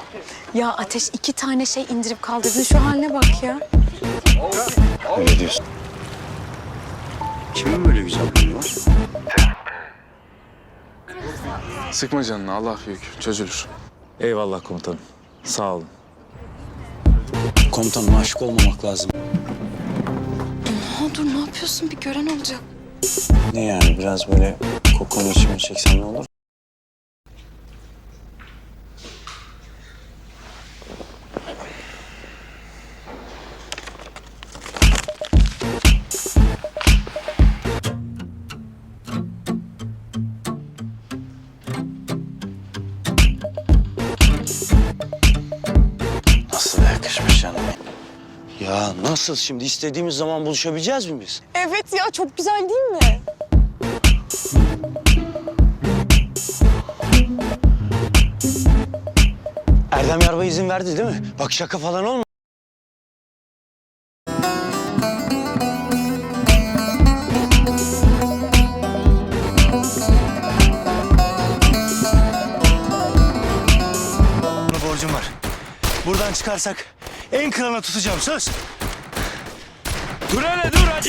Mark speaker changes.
Speaker 1: Ya Ateş 2 tane şey indirip kaldırdın. Şu haline bak ya.
Speaker 2: Öyle diyorsun. Kimin böyle güzel huyu var?
Speaker 3: Sıkma canını, Allah büyük. Çözülür.
Speaker 4: Eyvallah komutanım. Sağ olun.
Speaker 2: Komutanım aşık olmamak lazım.
Speaker 1: Ha, dur ne yapıyorsun? Bir gören olacak.
Speaker 2: Ne yani biraz böyle kokonu içime çeksem ne olur? Nasıl da yakışmış canım. Ya nasıl şimdi istediğimiz zaman buluşabileceğiz mi biz?
Speaker 1: Evet ya, çok güzel değil mi?
Speaker 2: Erdem Yarbay izin verdi değil mi? Bak şaka falan olma.
Speaker 5: Borcum var. Buradan çıkarsak en kralına tutacağım söz.
Speaker 4: Dur hele dur, acele